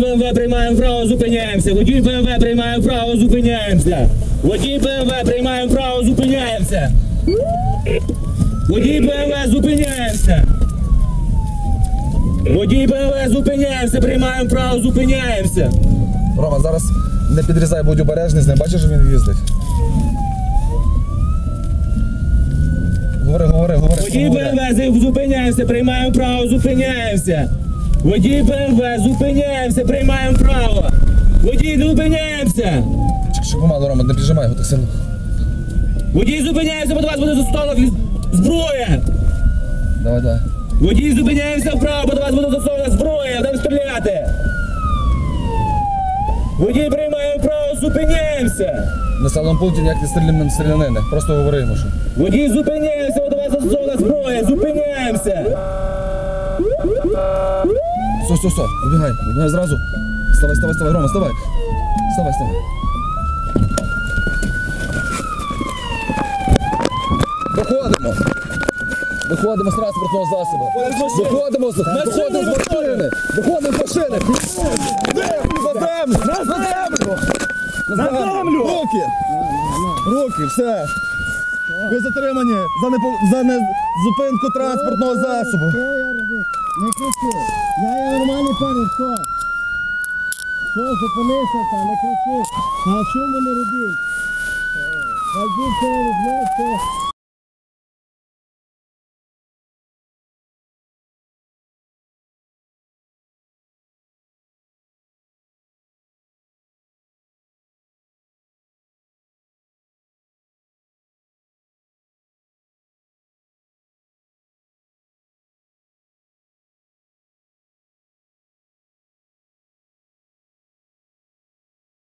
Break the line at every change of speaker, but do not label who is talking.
БМВ приймаємо право, зупиняємося. Водій БМВ приймаємо право, зупиняємося. Водій БМВ приймаємо право, зупиняємося. Водій БМВ зупиняємося. Водій БМВ зупиняємося, приймаємо право, зупиняємося.
Рома, зараз не підрізай, будь обережний з ним. Бачиш, що він їздить? Говори.
Водій БМВ зупиняємося, приймаємо право, зупиняємося. Водій БМВ зупиняємося, приймаємо право. Водій зупиняємося.
Чик, помалу, Рома, не прижимай його так сильно.
Водій зупиняємося, бо до вас буде застосована зброя.
Давай.
Водій зупиняємося вправо, бо до вас буде застосована зброя, будемо стріляти. Водій приймаємо право, зупиняємося.
На населеному пункті ніяк не стрілянини. Просто говори йому, що.
Водій зупиняємося, бо до вас застосована зброя, зупиняємося.
Все, вибігай зразу. Вставай, Рома, вставай. Вставай. Виходимо з транспортного засобу. Виходимо з машини. На землю! Руки, все. Ви затримані за зупинку транспортного засобу.
Не кричи. Я є нормальний парень, що? Що, зупинися там, не кричи. А що мене робіть? Хай дівчина розмовся.